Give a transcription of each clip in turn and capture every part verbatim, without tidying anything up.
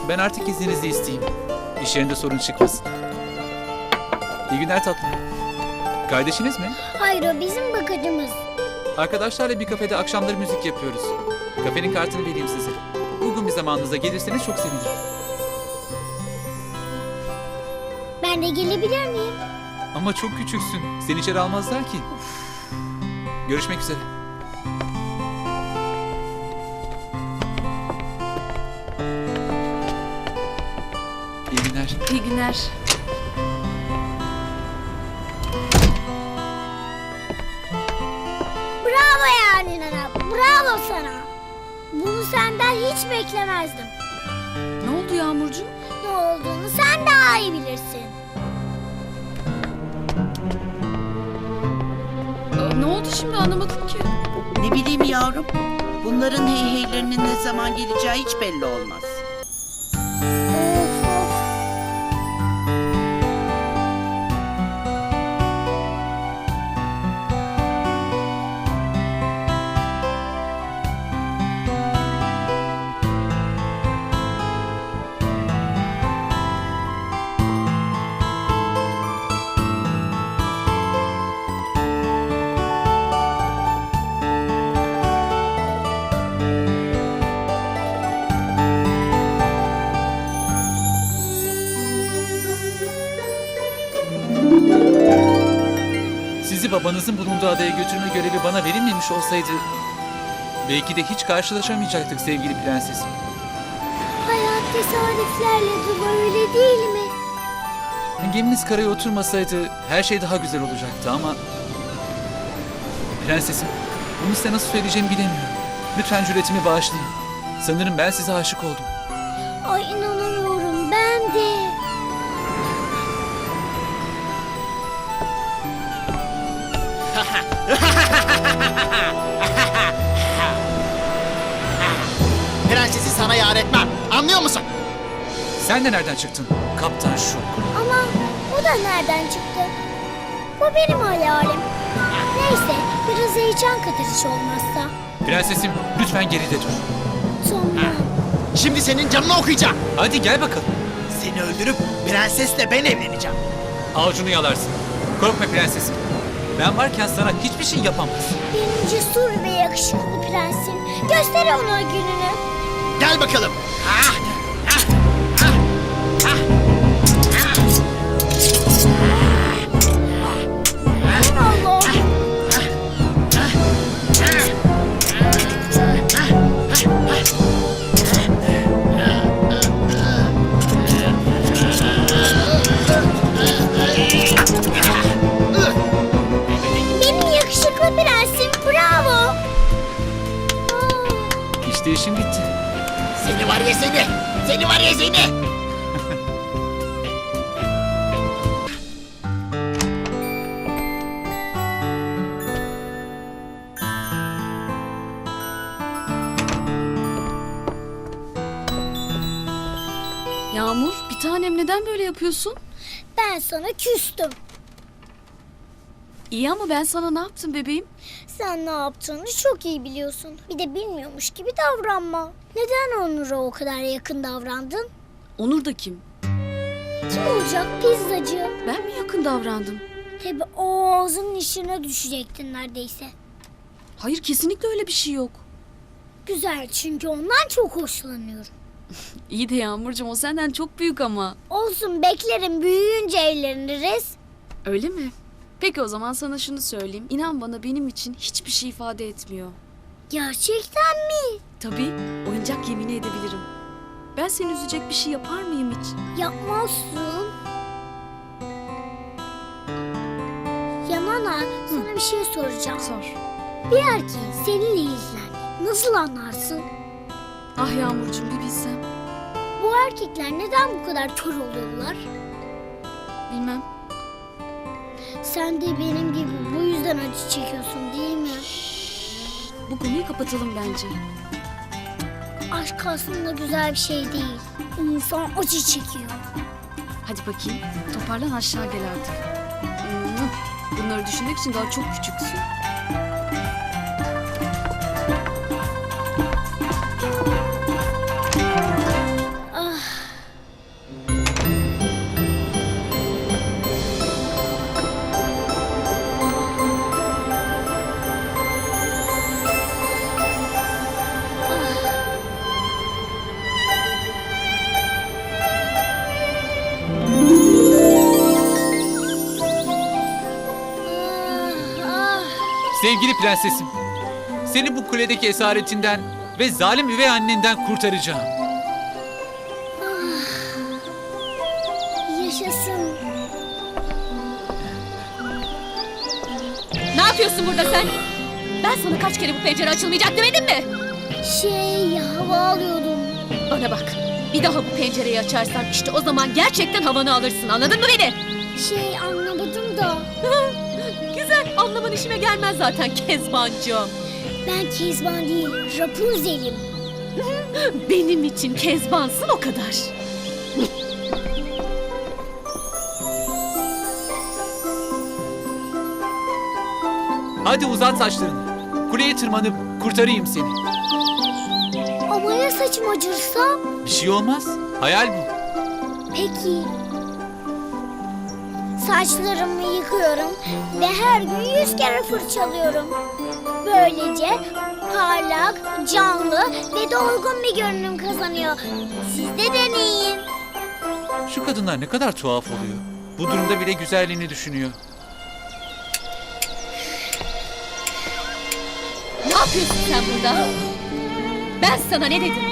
Ben artık izninizi isteyeyim. İş yerinde sorun çıkmasın. İyi günler tatlım. Kardeşiniz mi? Hayır, o bizim bakıcımız. Arkadaşlarla bir kafede akşamları müzik yapıyoruz. Kafenin kartını vereyim size. Uygun bir zamanınıza gelirseniz çok sevinirim. Ben de gelebilir miyim? Ama çok küçüksün. Seni içeri almazlar ki. Görüşmek üzere. İyi günler. İyi günler. Bravo yani Nana, bravo sana. Bunu senden hiç beklemezdim. Ne oldu Yağmurcuğum? Ne olduğunu sen daha iyi bilirsin. Aa, ne oldu şimdi anlamadım ki. Ne bileyim yavrum. Bunların heyheylerinin ne zaman geleceği hiç belli olmaz. Of of. Sizi babanızın bulunduğu adaya götürme görevi bana verilmemiş olsaydı... belki de hiç karşılaşamayacaktık sevgili prensesim. Hayat tesadüflerle dolu, öyle değil mi? Geminiz karaya oturmasaydı her şey daha güzel olacaktı ama... Prensesim, bunu size nasıl söyleyeceğimi bilemiyorum. Lütfen cüretimi bağışlayın. Sanırım ben size aşık oldum. Ay inanamıyorum, ben de. Prensesi sana yar etmem. Anlıyor musun? Sen de nereden çıktın? Kaptan Şuk. Ama bu da nereden çıktı? Bu benim hayalim. Neyse, biraz heyecan katırış olmazsa. Prensesim, lütfen geride dur. Sonra... Şimdi senin canını okuyacağım. Hadi gel bakalım. Seni öldürüp prensesle ben evleneceğim. Avucunu yalarsın. Korkma prensesim. Ben varken sana hiçbir şey yapamaz. Benim cesur ve yakışıklı prensim. Göster ona gününü. Gel bakalım. Ah, ah, ah, ah, Allah. Benim yakışıklı prensim, bravo. Aa. İşte işim bitti. Seni var ya seni. Seni var ya seni. Yağmur, bir tanem neden böyle yapıyorsun? Ben sana küstüm. İyi ama ben sana ne yaptım bebeğim? Sen ne yaptığını çok iyi biliyorsun. Bir de bilmiyormuş gibi davranma. Neden Onur'a o kadar yakın davrandın? Onur da kim? Kim olacak, pizzacı? Ben mi yakın davrandım? Tabii o ağzının işine düşecektin neredeyse. Hayır, kesinlikle öyle bir şey yok. Güzel, çünkü ondan çok hoşlanıyorum. İyi de Yağmurcuğum, o senden çok büyük ama. Olsun, beklerim, büyüyünce evleniriz. Öyle mi? Peki o zaman sana şunu söyleyeyim. İnan bana, benim için hiçbir şey ifade etmiyor. Gerçekten mi? Tabii, oyuncak yemin edebilirim. Ben seni üzecek bir şey yapar mıyım hiç? Yapmazsın. Ya Nana, sana bir şey soracağım. Sor. Bir erkeğin seninle ilgilen nasıl anlarsın? Ah Yağmurcuğum, bir bilsem. Bu erkekler neden bu kadar kör oluyorlar? Bilmem. Sen de benim gibi bu yüzden acı çekiyorsun değil mi? Bu konuyu kapatalım bence. Aşk aslında güzel bir şey değil. İnsan acı çekiyor. Hadi bakayım, toparlan, aşağı gel artık. Hmm, Bunları düşünmek için daha çok küçüksün. Ah, Sevgili prensesim, seni bu kuledeki esaretinden ve zalim üvey annenden kurtaracağım. Yaşasın. Ne yapıyorsun burada sen? Ben sana kaç kere bu pencere açılmayacak demedim mi? Şey, hava alıyordum. Bana bak. Bir daha bu pencereyi açarsan işte o zaman gerçekten havanı alırsın. Anladın mı beni? Şey, anlamadım da. Güzel. Anlaman işime gelmez zaten Kezbancığım. Ben Kezban değil, Rapunzel'im. Benim için Kezbansın o kadar. Hadi uzat saçlarını. Kuleye tırmanıp kurtarayım seni. Ama ya saçım acırsa? Bir şey olmaz. Hayal bu. Peki. Saçlarımı yıkıyorum ve her gün yüz kere fırçalıyorum. Böylece parlak, canlı ve dolgun bir görünüm kazanıyor. Siz de deneyin. Şu kadınlar ne kadar tuhaf oluyor. Bu durumda bile güzelliğini düşünüyor. Ne yapıyorsun sen burada? Ben sana ne dedim?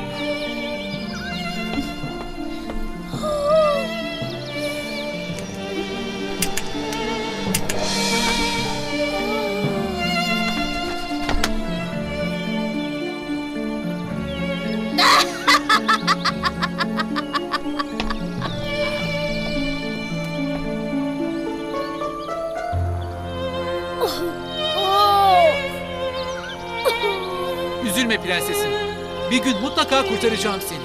Üzülme prensesim. Bir gün mutlaka kurtaracağım seni.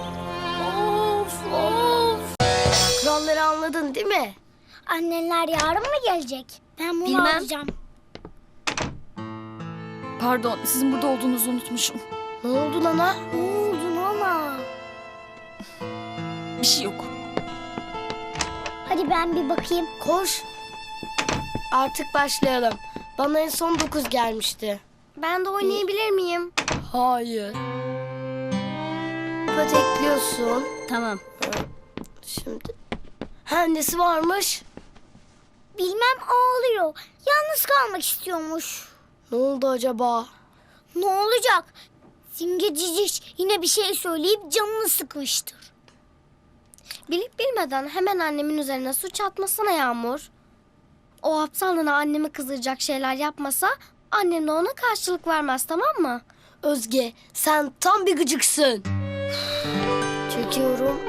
Of of. Kuralları anladın değil mi? Anneler yarın mı gelecek? Ben bunu Bilmem. alacağım. Pardon, sizin burada olduğunuzu unutmuşum. Ne oldu Nana? Ne oldu Nana? Bir şey yok. Hadi ben bir bakayım. Koş. Artık başlayalım. Bana en son dokuz gelmişti. Ben de oynayabilir miyim? Hayır. Patekliyorsun. Tamam. Şimdi. Ha, nesi varmış? Bilmem, ağlıyor. Yalnız kalmak istiyormuş. Ne oldu acaba? Ne olacak? Simge Ciciş yine bir şey söyleyip canını sıkmıştır. Bilip bilmeden hemen annemin üzerine suç atmasana Yağmur. O aptallığına annemi kızdıracak şeyler yapmasa annem de ona karşılık vermez, tamam mı? Özge, sen tam bir gıcıksın. Çekiyorum.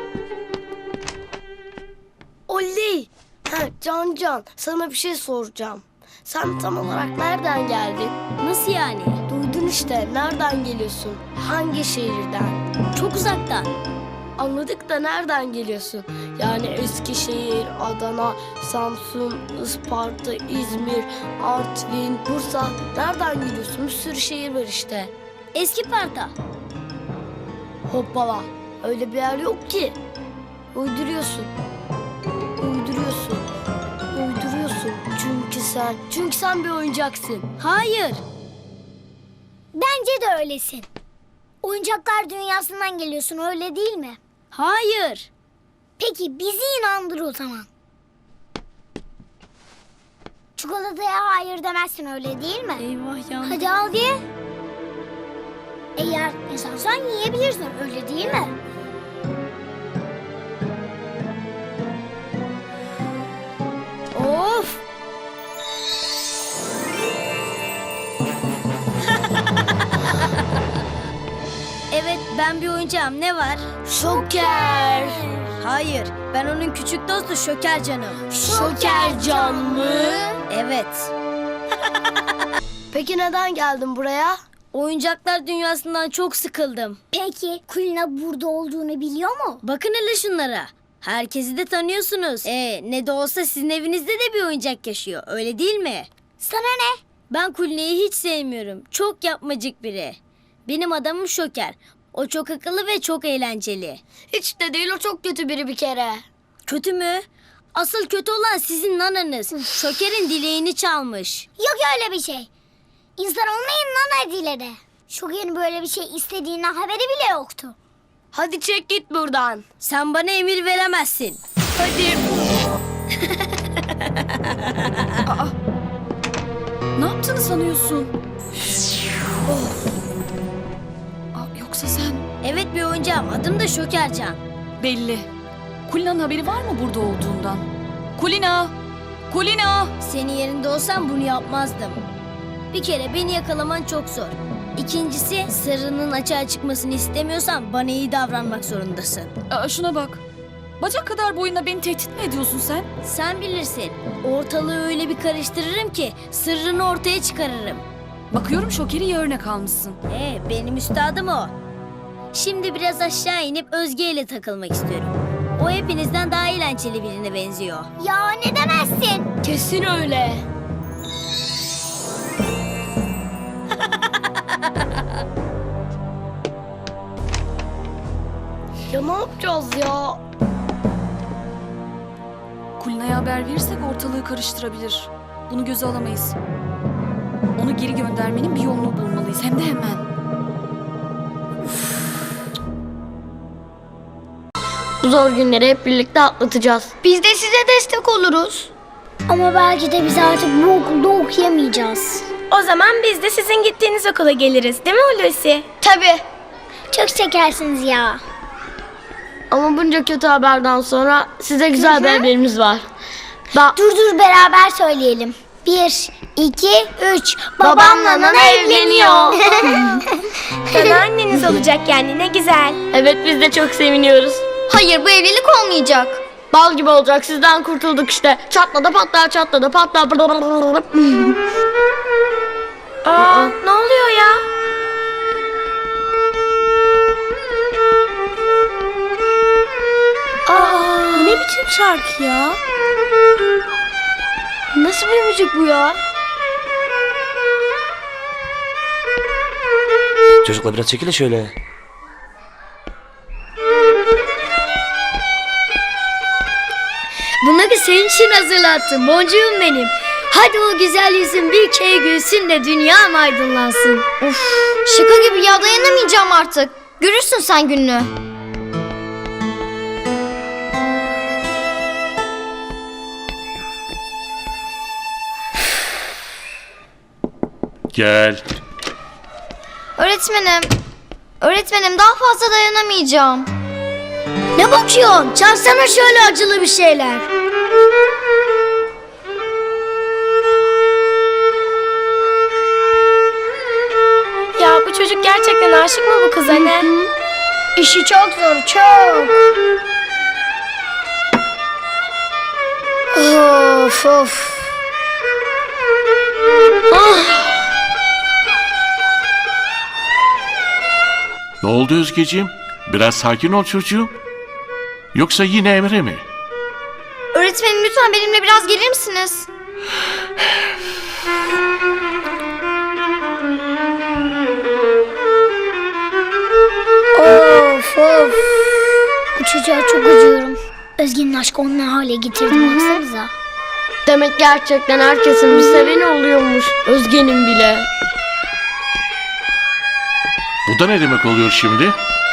Oley! Ha, Can Can, sana bir şey soracağım. Sen tam olarak nereden geldin? Nasıl yani? Duydun işte, nereden geliyorsun? Hangi şehirden? Çok uzaktan. Anladık da nereden geliyorsun? Yani Eskişehir, Adana, Samsun, Isparta, İzmir, Artvin, Bursa. Nereden geliyorsun? Bir sürü şehir var işte. Eski Parta. Hoppala. Öyle bir yer yok ki. Uyduruyorsun. Uyduruyorsun. Uyduruyorsun. Çünkü sen, çünkü sen bir oyuncaksın. Hayır. Bence de öylesin. Oyuncaklar dünyasından geliyorsun, öyle değil mi? Hayır. Peki bizi inandır o zaman. Çikolataya hayır demezsin, öyle değil mi? Eyvah ya. Hadi al ye. Eğer insansan yiyebilirsin, öyle değil mi? Of. Evet, ben bir oyuncağım. Ne var? Şoker. Hayır, ben onun küçük dostu Şoker canım. Şoker can mı? Evet. Peki neden geldin buraya? Oyuncaklar dünyasından çok sıkıldım. Peki Kulina burada olduğunu biliyor mu? Bakın hele şunlara. Herkesi de tanıyorsunuz. Ee, ne de olsa sizin evinizde de bir oyuncak yaşıyor. Öyle değil mi? Sana ne? Ben Kulina'yı hiç sevmiyorum. Çok yapmacık biri. Benim adamım Şoker. O çok akıllı ve çok eğlenceli. Hiç de değil, o çok kötü biri bir kere. Kötü mü? Asıl kötü olan sizin nananız. Şoker'in dileğini çalmış. Yok öyle bir şey. İnsan olmayın nana diledi. Şoker'in böyle bir şey istediğinden haberi bile yoktu. Hadi çek git buradan. Sen bana emir veremezsin. Hadi. Ne yaptığını sanıyorsun? Of. Aa, yoksa sen... Evet, bir oyuncağım. Adım da Şokercan. Belli. Kulina'nın haberi var mı burada olduğundan? Kulina! Kulina! Senin yerinde olsam bunu yapmazdım. Bir kere beni yakalaman çok zor. İkincisi, sırrının açığa çıkmasını istemiyorsan bana iyi davranmak zorundasın. Aa, şuna bak. Bacak kadar boyunda beni tehdit mi ediyorsun sen? Sen bilirsin. Ortalığı öyle bir karıştırırım ki sırrını ortaya çıkarırım. Bakıyorum Şoker'i iyi örnek almışsın. Ee, benim üstadım o. Şimdi biraz aşağı inip Özge ile takılmak istiyorum. O hepinizden daha eğlenceli birine benziyor. Ya ne demezsin? Kesin öyle. Ya ne yapacağız ya? Kulina'ya haber verirsek ortalığı karıştırabilir. Bunu göze alamayız. Onu geri göndermenin bir yolunu bulmalıyız. Hem de hemen. Bu zor günleri hep birlikte atlatacağız. Biz de size destek oluruz. Ama belki de biz artık bu okulda okuyamayacağız. O zaman biz de sizin gittiğiniz okula geliriz, değil mi Hulusi? Tabii. Çok şekersiniz ya. Ama bunca kötü haberden sonra size güzel bir haberimiz var. Da Dur dur beraber söyleyelim. Bir, iki, üç. babamla Nana evleniyor. Sana anneniz olacak yani, ne güzel. Evet, biz de çok seviniyoruz. Hayır, bu evlilik olmayacak. Bal gibi olacak, sizden kurtulduk işte. Çatla da patlar, çatla da patlar. Aa, ne oluyor ya? Aa, bu ne biçim şarkı ya? Nasıl bir müzik bu ya? Çocuklar biraz çekilin şöyle. Bunları senin için hazırlattım boncuğum benim. Hadi o güzel yüzün bir kere gülsün de dünyam aydınlansın. Uf, şaka gibi ya, dayanamayacağım artık. Görürsün sen gününü. Gel. Öğretmenim. Öğretmenim, daha fazla dayanamayacağım. Ne bakıyorsun? Çalsana şöyle acılı bir şeyler. Ya bu çocuk gerçekten aşık mı bu kıza ne? İşi çok zor, çok. Of of. Ne oldu Özgeciğim? Biraz sakin ol çocuğum. Yoksa yine Emre mi? Öğretmenim, lütfen benimle biraz gelir misiniz? Of of. Bu çocuğa çok acıyorum. Özge'nin aşkı onu ne hale getirdim baksanıza. Demek gerçekten herkesin bir seveni oluyormuş. Özge'nin bile. Bu da ne demek oluyor şimdi?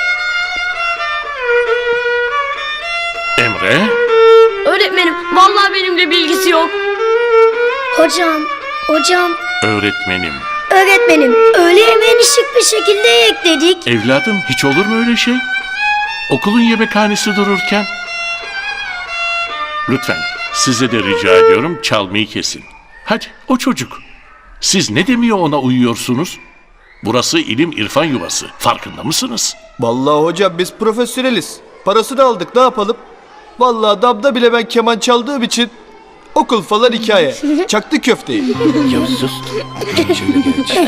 Emre? Öğretmenim, vallahi benimle bilgisi yok. Hocam, hocam, Öğretmenim. öğretmenim öyle hemen şık bir şekilde ekledik. Evladım hiç olur mu öyle şey? Okulun yemekhanesi dururken. Lütfen size de rica ediyorum çalmayı kesin. Hadi o çocuk. Siz ne demiyor ona uyuyorsunuz? Burası ilim irfan yuvası. Farkında mısınız? Vallahi hocam biz profesyoneliz. Parasını aldık, ne yapalım? Vallahi damda bile ben keman çaldığım için okul falan hikaye. Çaktı köfteyi. Ya sus. Şöyle geç.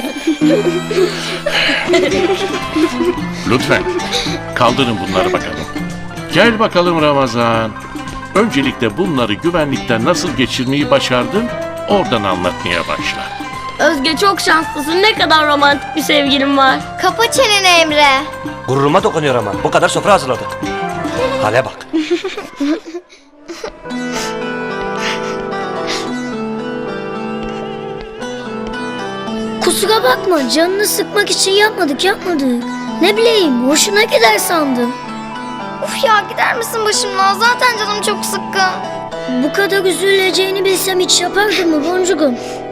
Lütfen kaldırın bunları bakalım. Gel bakalım Ramazan. Öncelikle bunları güvenlikten nasıl geçirmeyi başardın? Oradan anlatmaya başla. Özge çok şanslısın. Ne kadar romantik bir sevgilim var. Kapa çeneni Emre. Gururuma dokunuyor ama. Bu kadar sofra hazırladık. Hale bak. Kusura bakma, canını sıkmak için yapmadık yapmadık. Ne bileyim, hoşuna gider sandım. Uf ya, gider misin başımdan? Zaten canım çok sıkkın. Bu kadar üzüleceğini bilsem hiç yapardım mı boncuğum?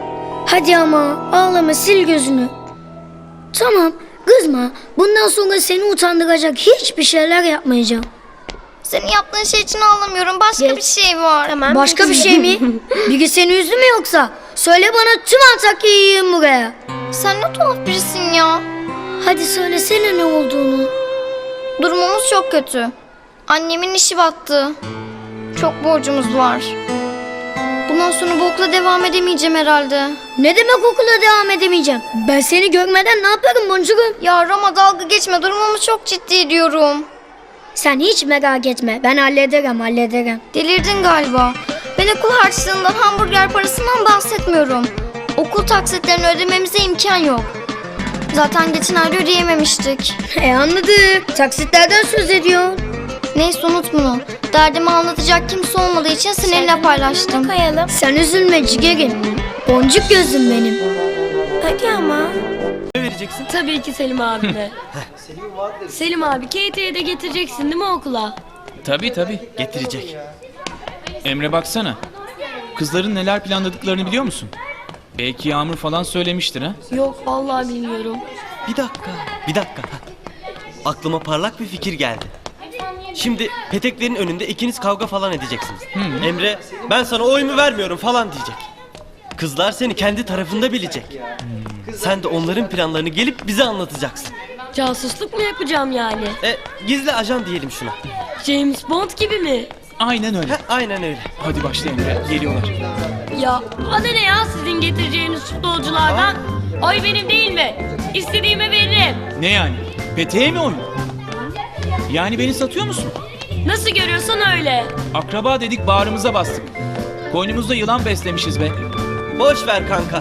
Hadi ama ağlama, sil gözünü. Tamam, kızma. Bundan sonra seni utandıracak hiçbir şeyler yapmayacağım. Senin yaptığın şey için ağlamıyorum. Başka Geç. bir şey var. Hemen Başka bir şey mi? Biri seni üzdü mü yoksa? Söyle bana, tüm Antakya'yı yiyeyim buraya. Sen ne tuhaf birisin ya. Hadi söylesene ne olduğunu. Durumumuz çok kötü. Annemin işi battı. Çok borcumuz var. Bundan sonra bu okula devam edemeyeceğim herhalde. Ne demek okula devam edemeyeceğim? Ben seni görmeden ne yaparım boncuğum? Ya Roma, dalga geçme. Durumumuz çok ciddi diyorum. Sen hiç merak etme. Ben hallederim, hallederim. Delirdin galiba. Ben okul harçlığından, hamburger parasından bahsetmiyorum. Okul taksitlerini ödememize imkan yok. Zaten geçen ay ödeyememiştik. E anladık. Taksitlerden söz ediyorsun. Neyse, unut bunu. Derdimi anlatacak kimse olmadığı için seninle paylaştım. Koyalım. Sen üzülme cigerim. Boncuk gözüm benim. Hadi ama. Ne vereceksin? Tabii ki Selim abime. Selim abi K T'ye de getireceksin değil mi okula? Tabii tabii. Getirecek. Emre baksana. Kızların neler planladıklarını biliyor musun? Belki Yağmur falan söylemiştir ha? Yok vallahi bilmiyorum. Bir dakika, bir dakika. Aklıma parlak bir fikir geldi. Şimdi peteklerin önünde ikiniz kavga falan edeceksiniz. Emre, ben sana oyumu vermiyorum falan diyecek. Kızlar seni kendi tarafında bilecek. Sen de onların planlarını gelip bize anlatacaksın. Casusluk mu yapacağım yani? E, gizli ajan diyelim şuna. James Bond gibi mi? Aynen öyle. Heh, aynen öyle. Hadi başla Emre. Geliyorlar. Ya adı ne ya sizin getireceğiniz futbolculardan? Oy benim değil mi? İstediğime veririm. Ne yani? Peteğe mi oyun? Yani beni satıyor musun? Nasıl görüyorsan öyle. Akraba dedik, bağrımıza bastık. Koynumuzda yılan beslemişiz be. Boş ver kanka.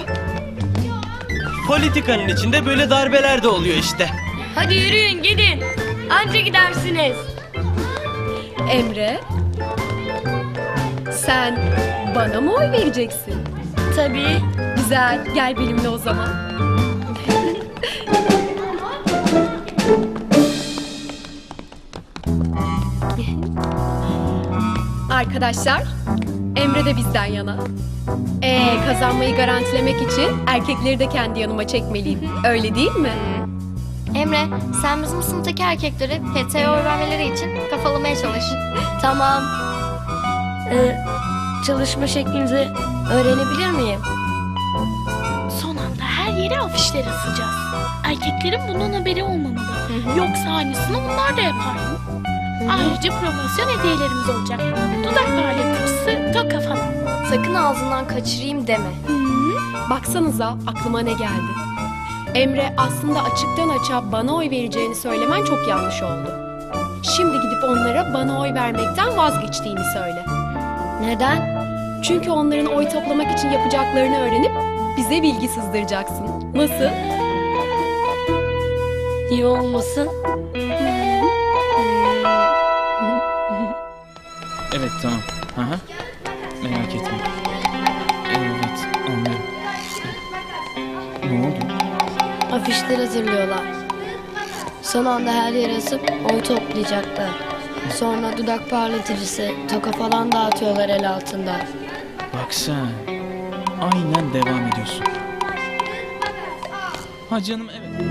Politikanın içinde böyle darbeler de oluyor işte. Hadi yürüyün gidin. Anca gidersiniz. Emre, sen bana mı oy vereceksin? Tabii. Güzel, gel benimle o zaman. Arkadaşlar, Emre de bizden yana. Ee, kazanmayı garantilemek için erkekleri de kendi yanıma çekmeliyim. Öyle değil mi? Emre, sen bizim sınıftaki erkekleri P T'ye oy vermeleri için kafalamaya çalış. Tamam. Ee, çalışma şeklinizi öğrenebilir miyim? Son anda her yere afişler asacağız. Erkeklerin bundan haberi olmamalı. Yoksa aynısını onlar da yapar. Ayrıca promosyon hediyelerimiz olacak. Dudak parlatıcısı, toka falan. Sakın ağzından kaçırayım deme. Baksanıza aklıma ne geldi. Emre, aslında açıktan açığa bana oy vereceğini söylemen çok yanlış oldu. Şimdi gidip onlara bana oy vermekten vazgeçtiğini söyle. Neden? Çünkü onların oy toplamak için yapacaklarını öğrenip bize bilgi sızdıracaksın. Nasıl? İyi olmasın. Evet tamam. Hı hı. Merak etme. Evet anlıyorum. Ne oldu? Afişler hazırlıyorlar. Son anda her yer asıp oy toplayacaklar. Sonra dudak parlatıcısı, toka falan dağıtıyorlar el altında. Bak sen. Aynen devam ediyorsun. Ha canım evet.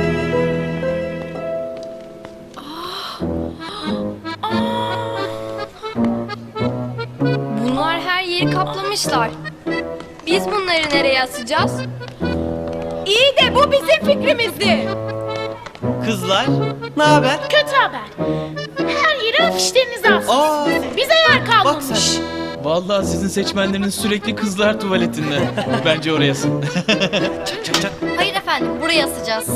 Bunlar her yeri kaplamışlar. Biz bunları nereye asacağız? İyi de bu bizim fikrimizdi. Kızlar, ne haber? Kötü haber. Her yere afişlerinizi asın. Aa, Bize yer bak kalmamış. sen. Vallahi sizin seçmenleriniz sürekli kızlar tuvaletinde. Bence orayasın. Çak çak çak. Hayır efendim, buraya asacağız.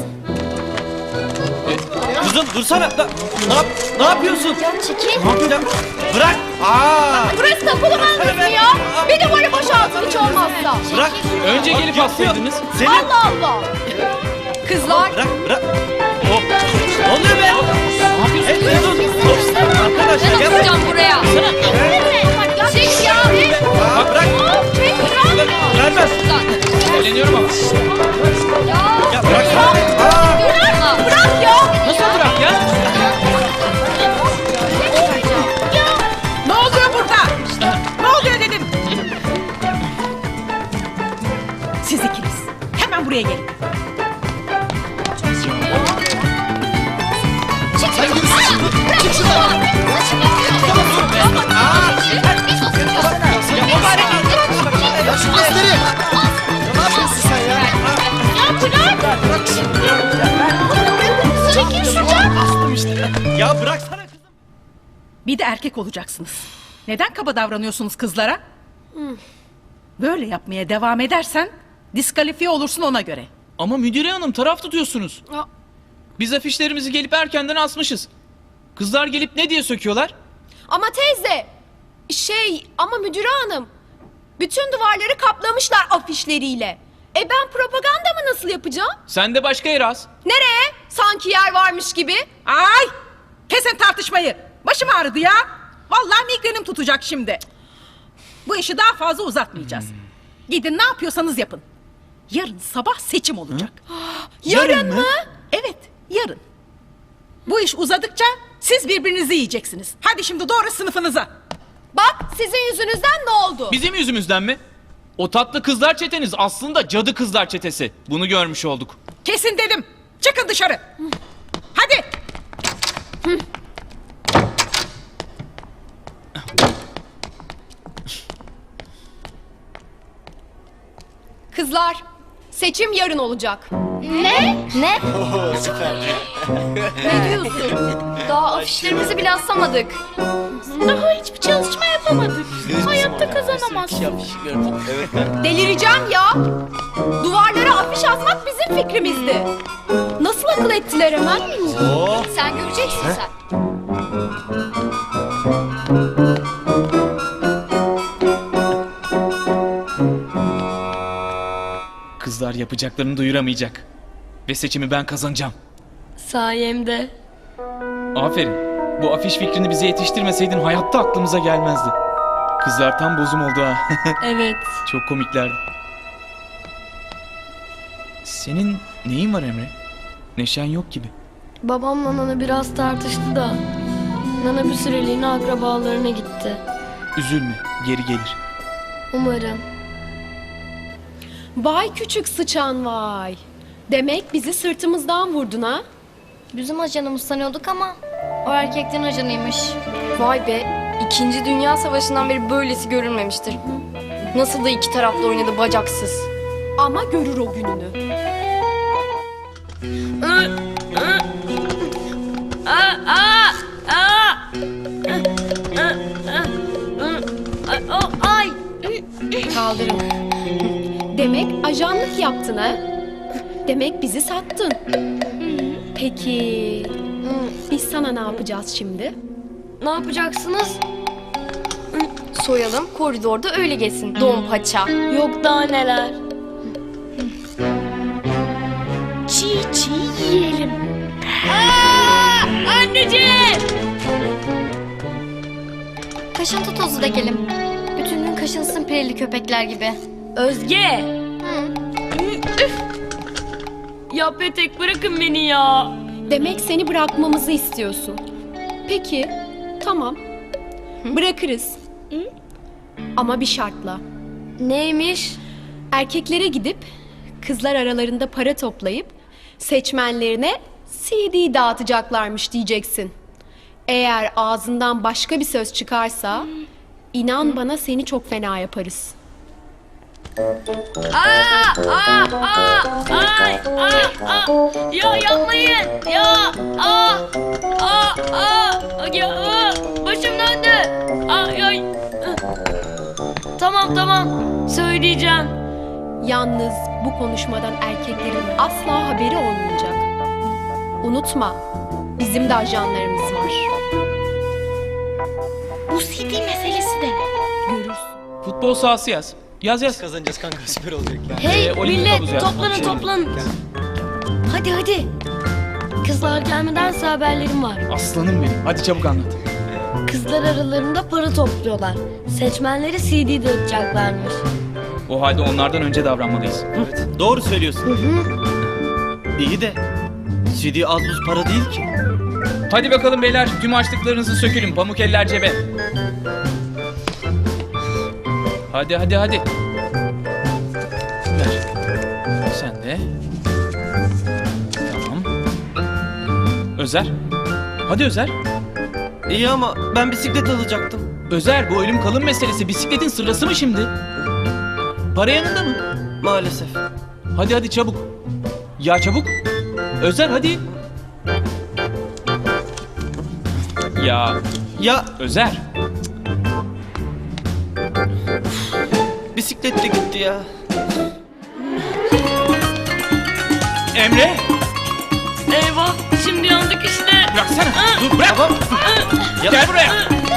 Kızım dursana. Ne, ne, yap, ne yapıyorsun? Ya çekil. Ne yapıyorsun? Bırak. Aa, Burası da okulu mı ya? Bir duvarı boşaltın hiç olmazsa. bırak. Önce Bak, gelip yapıyor. assaydınız. Senin. Allah Allah. Kızlar, Bırak bırak. Hop. Ne oluyor be? Ne yapıyorsun? Hey, dur. Arkadaşlar gel. asacağım buraya. Çek ya. Aa, bırak. Vermez. Eğleniyorum ama. Ya bırak. Aa. Bırak ya. Nasıl bırak ya? Ne oluyor burada? Ne oluyor dedim. Siz ikiniz Ya bıraksana kızım. Bir de erkek olacaksınız. Neden kaba davranıyorsunuz kızlara? Böyle yapmaya devam edersen diskalifiye olursun ona göre. Ama müdüre hanım taraf tutuyorsunuz. Ya. Biz afişlerimizi gelip erkenden asmışız. Kızlar gelip ne diye söküyorlar? Ama teyze, şey ama müdüre hanım, bütün duvarları kaplamışlar afişleriyle. E ben propaganda mı nasıl yapacağım? Sen de başka yere as. Nereye? Sanki yer varmış gibi. Ay! Kesin tartışmayı. Başım ağrıdı ya. Vallahi migrenim tutacak şimdi. Bu işi daha fazla uzatmayacağız. Gidin ne yapıyorsanız yapın. Yarın sabah seçim olacak. Yarın, yarın mı? Evet, yarın. Bu iş uzadıkça siz birbirinizi yiyeceksiniz. Hadi şimdi doğru sınıfınıza. Bak sizin yüzünüzden ne oldu? Bizim yüzümüzden mi? O tatlı kızlar çeteniz aslında cadı kızlar çetesi. Bunu görmüş olduk. Kesin dedim. Çıkın dışarı. Hadi. Kızlar, seçim yarın olacak. Ne? Ne? Ne diyorsun? Daha afişlerimizi bile asamadık. Daha hiçbir çalışma yapamadık. Hayatta kazanamazsın. Delireceğim ya. Duvarlara afiş asmak bizim fikrimizdi. Nasıl akıl ettiler hemen? Sen göreceksin sen. Kızlar yapacaklarını duyuramayacak. Ve seçimi ben kazanacağım. Sayemde. Aferin. Bu afiş fikrini bize yetiştirmeseydin hayatta aklımıza gelmezdi. Kızlar tam bozum oldu ha. Evet. Çok komiklerdi. Senin neyin var Emre? Neşen yok gibi. Babamla Nana biraz tartıştı da. Nana bir süreliğine akrabalarına gitti. Üzülme, geri gelir. Umarım. Vay küçük sıçan vay. Demek bizi sırtımızdan vurdun ha? Bizim ajanımız sanıyorduk ama o erkeklerin ajanıymış. Vay be, İkinci Dünya Savaşı'ndan beri böylesi görülmemiştir. Nasıl da iki taraflı oynadı bacaksız. Ama görür o gününü. Aa, aa, aa. Ay. Kaldırın. Demek ajanlık yaptın ha? Demek bizi sattın. Peki biz sana ne yapacağız şimdi? Ne yapacaksınız? Soyalım, koridorda öyle geçsin. Don paça. Yok daha neler. Çiğ çiğ yiyelim. Aa, anneciğim! Kaşıntı tozu dökelim. Bütün gün kaşınsın pireli köpekler gibi. Özge! Üf! Ya Petek bırakın beni ya. Demek seni bırakmamızı istiyorsun. Peki, tamam. Bırakırız. Ama bir şartla. Neymiş? Erkeklere gidip kızlar aralarında para toplayıp seçmenlerine C D dağıtacaklarmış diyeceksin. Eğer ağzından başka bir söz çıkarsa inan bana seni çok fena yaparız. Aa, aa, aa, ay, aa, aa. Ya yapmayın. Ya, aa, aa, aa, ya, aa. Başım döndü. Ay, ay. Tamam tamam. Söyleyeceğim. Yalnız bu konuşmadan erkeklerin asla haberi olmayacak. Unutma, bizim de ajanlarımız var. Bu C D meselesi de ne? Görürsün. Futbol sahası yaz. Yaz yaz. Kazanacağız kanka, süper olacak ya. Hey Ee, olimpik havuzu millet yaz. toplanın toplanın. Hadi hadi. Kızlar gelmedense haberlerim var. Aslanım benim. Hadi çabuk anlat. Kızlar aralarında para topluyorlar. Seçmenleri C D dağıtacaklarmış. O halde onlardan önce davranmalıyız. Doğru söylüyorsun. İyi de C D az buz para değil ki. Hadi bakalım beyler, tüm açlıklarınızı sökülün. Pamuk eller cebe. Hadi hadi hadi. Ver. Sen de. Tamam. Özer. Hadi Özer. İyi ama ben bisiklet alacaktım. Özer, bu ölüm kalım meselesi bisikletin sırası mı şimdi? Para yanında mı? Maalesef. Hadi hadi çabuk. Ya çabuk. Özer hadi. Ya Ya Özer. bisiklet de gitti ya. Emre. Eyvah şimdi yandık işte. Bıraksana. Dur bırak. Tamam. Ya- Gel buraya.